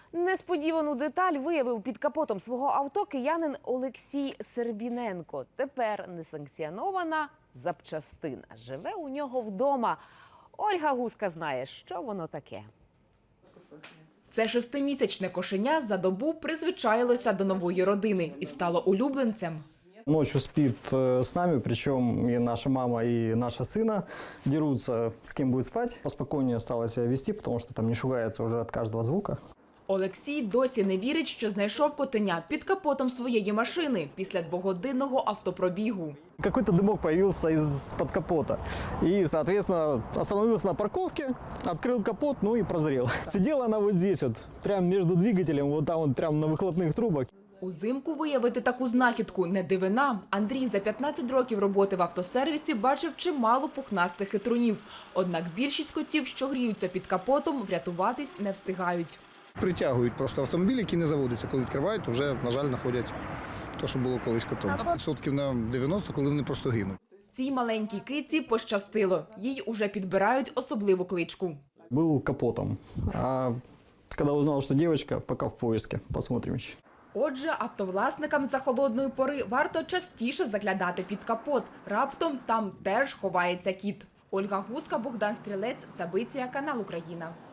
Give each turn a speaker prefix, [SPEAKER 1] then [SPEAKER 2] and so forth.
[SPEAKER 1] Несподівану деталь виявив під капотом свого авто киянин Олексій Сербіненко. Тепер несанкціонована запчастина. Живе у нього вдома. Ольга Гуска знає, що воно таке.
[SPEAKER 2] Це 6-місячне кошеня за добу призвичаїлося до нової родини і стало улюбленцем.
[SPEAKER 3] Ночью спит с нами, причем и наша мама, и наша сына дерутся, с кем будет спать. Поспокойнее стало себя вести, потому что там не шугается уже от каждого звука.
[SPEAKER 2] Олексій досі не вірить, що знайшов котеня під капотом своєї машини після 2-годинного автопробігу.
[SPEAKER 3] Какой-то дымок появился из-под капота. И, соответственно, остановился на парковке, открыл капот, ну и прозрел. Сидела она вот здесь вот, прямо между двигателем, вот там вот прямо на выхлопных трубах.
[SPEAKER 2] Узимку виявити таку знахідку не дивина. Андрій за 15 років роботи в автосервісі бачив чимало пухнастих хитрунів. Однак більшість котів, що гріються під капотом, врятуватись не встигають.
[SPEAKER 4] Притягують просто автомобіль, який не заводиться. Коли відкривають, то вже, на жаль, знаходять те, що було колись котом. Відсотків на 90, коли вони просто гинуть.
[SPEAKER 2] Цій маленькій киці пощастило. Їй уже підбирають особливу кличку.
[SPEAKER 3] Был капотом. А когда узнал, что девочка, пока в поиске. Посмотрим еще.
[SPEAKER 2] Отже, автовласникам за холодної пори варто частіше заглядати під капот. Раптом там теж ховається кіт. Ольга Гуска, Богдан Стрілець, Сабиція, канал Україна.